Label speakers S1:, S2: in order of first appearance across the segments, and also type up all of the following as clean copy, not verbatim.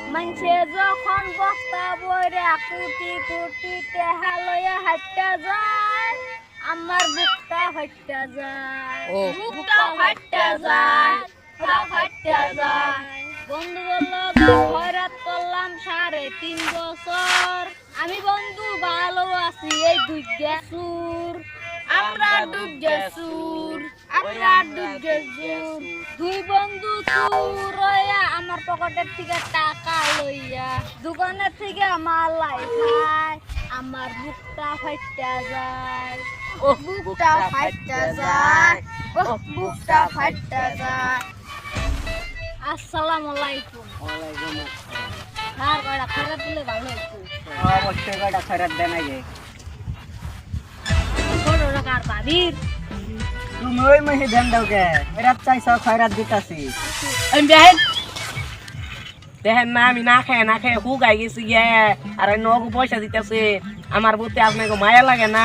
S1: মানুষে যখন বস্তা বইরে কোটি কোটি টেহা লইয়া হাঁটতে যায় আমার বুকটা ফাইটটা যায়
S2: ও
S1: বুকটা ফাইটটা যায় ফাইটটা যায় বন্ধু বলল খয়রাত করলাম 3.5 বছর আমি বন্ধু ভালো আছি এই দুইটা সুর আমরা দুইটা সুর আমরা দুইটা সুর দুই বন্ধু সুর হইয়া আমার পকেটের থেকে টাকা লইয়া দোকানের থেকে মাল লাই খায় আমার বুকটা ফাইটটা যায়
S2: ও
S1: বুকটা ফাইটটা যায় ও বুকটা ফাইটটা যায় আসসালামু আলাইকুম
S2: ওয়ালাইকুম
S1: আর কয়টা খরচ দিলে ভালো হতো
S2: অবশ্যই কয়টা খরচ দেন আগে
S1: ছোট টাকার ভাবির
S2: তুমি ওই মাসে দেন দাও কে এরা চাইছ খয়রাত দিতাছি দেখেন না আমি না খেয়ে হুগাই গেছি গে আর ওই নগু পয়সা দিতেছে আমার বুতে আপনাকে মায়া লাগে না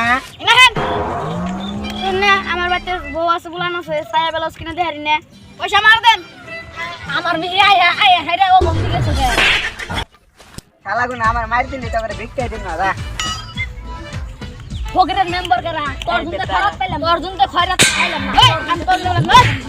S1: না আমার বাড়িতে বউ আছে বুলান আছে ছায়া বেলাস কিনে দেহারি না পয়সা মার দেন আমার বিয়ে আয়া আয়া হেরে ও বন্ধু গেছে গে
S2: শালা গুনা আমার মার দিলি তো করে ভিক্ষা দিন না দা
S1: ফকিরের মেম্বার করা তোর জন্য খারাপ পাইলাম তোর জন্য খয়রাত পাইলাম না আমি তোর